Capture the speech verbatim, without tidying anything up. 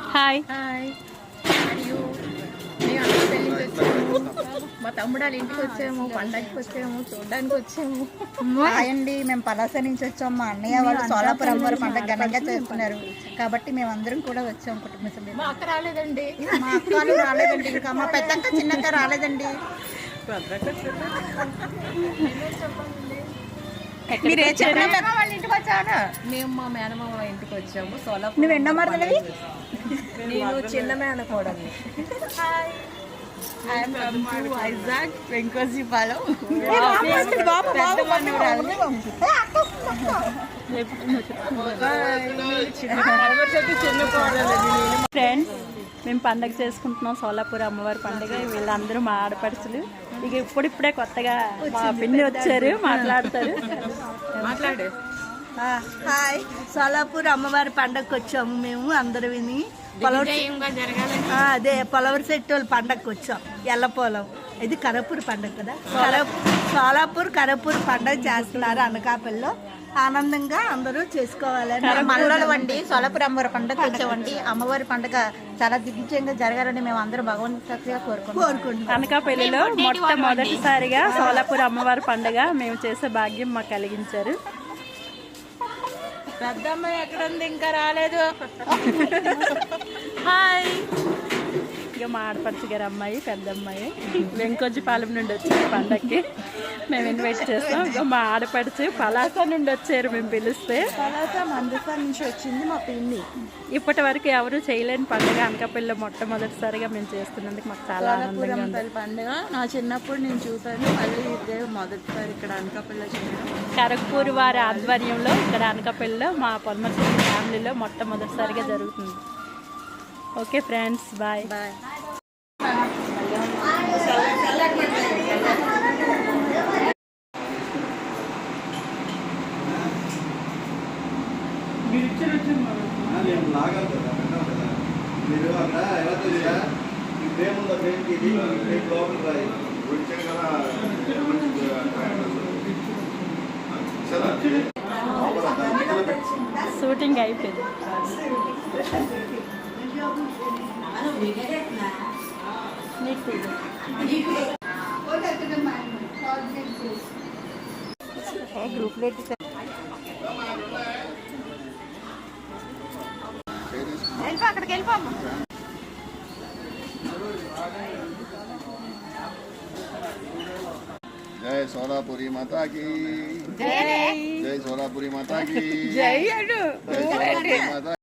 Hi hi మరియు మేము అన్న పెళ్ళికి వచ్చాము, మా తమ్ముడు వాళ్ళ ఇంటికి వచ్చాము, పండగకి వచ్చాము, చూడడానికి వచ్చాము. హాయ్ అండి, మేము పలాస నుంచి వచ్చాము. మా అన్నయ్య వాళ్ళు సోలాపురం అమ్మవారి పండుగ ఘనంగా చేస్తున్నారు కాబట్టి మేము అందరం కూడా వచ్చాము కుటుంబ సభ్యులు. మా అక్క రాలేదండి, మా అక్కలు రాలేదండి, ఇంకా మా పెద్దక్క చిన్నక్క రాలేదండి. మీరు ఏ చెప్పినా వాళ్ళ ఇంటికి వచ్చాను. మేము మా మేనమామ వాళ్ళ ఇంటికి వచ్చాము సోలాపురం. నువ్వు ఎన్నో మరదలవి? నేను చిన్న మేనకోడల్ని. వైజాగ్ వెంకోజీపాలెం. ఫ్రెండ్స్, మేము పండగ చేసుకుంటున్నాం సోలాపూర్ అమ్మవారి పండుగ. వీళ్ళందరూ మా ఆడపడుచులు. ఇక ఇప్పుడిప్పుడే కొత్తగా మా పిన్ని వచ్చారు, మాట్లాడతారు. మాట్లాడు. హాయ్, సోలాపూర్ అమ్మవారి పండగకి వచ్చాము మేము అందరు విని. అదే పొలవరి సెట్ వాళ్ళ పండగకి వచ్చాం. ఎల్లపోలం ఇది కరపూర్ పండగ కదా. సోలాపూర్ కరపూర్ పండగ చేస్తున్నారు అనకాపల్లిలో. ఆనందంగా అందరూ చేసుకోవాలని మనలో వండి సోలాపూర్ అమ్మవారి పండుగ వచ్చామండి. అమ్మవారి పండుగ చాలా దిగ్విజయంగా జరగాలని మేము అందరం భగవంతుడిగా కోరుకుంటున్నాం కోరుకుంటున్నాం అనకాపల్లిలో మొట్టమొదటిసారిగా సోలాపూర్ అమ్మవారి పండుగ మేము చేసే భాగ్యం మాకు కలిగించారు. పెద్దమ్మాయి ఎక్కడ ఉంది? ఇంకా రాలేదు. హాయ్, ఇక మా ఆడపడుచు గారు అమ్మాయి పెద్ద అమ్మాయి వెంకోజీపాలెం నుండి వచ్చారు పండగకి. మేము ఇన్వైట్ చేస్తాం. ఇక మా ఆడపడుచు పలాస నుండి వచ్చారు మేము పిలిస్తే. పలాస మందసా నుంచి వచ్చింది మా పిన్ని. ఇప్పటి వరకు ఎవరు చేయలేని పండుగ అనకాపల్లిలో మొట్టమొదటిసారిగా మేము చేస్తున్నందుకు మాకు చాలా ఆనందంగా ఉంది. పండుగ నా చిన్నప్పుడు నేను చూసాను, మళ్ళీ ఇదే మొదటిసారి ఇక్కడ అనకాపల్లిలో చేయడం. కరక్పూర్ వారి ఆధ్వర్యంలో ఇక్కడ అనకాపల్లిలో మా పొలమర్చి ఫ్యామిలీలో మొట్టమొదటిసారిగా జరుగుతుంది. Okay friends, bye bye. మీరు అక్కడ ఎలా తెలియదా ఈ ఫ్రేమ్ ఉందా? ఫ్రేమ్కి ఇది ఫ్రేమ్ లోపల రాయి వచ్చాను కదా. షూటింగ్ అయిపోయింది. అక్కడికి వెళ్ళిపోము. జై సోలాపురి మాతా की जय, जय सोलापुरी माता की జై అడు जय सोलापुरी माता।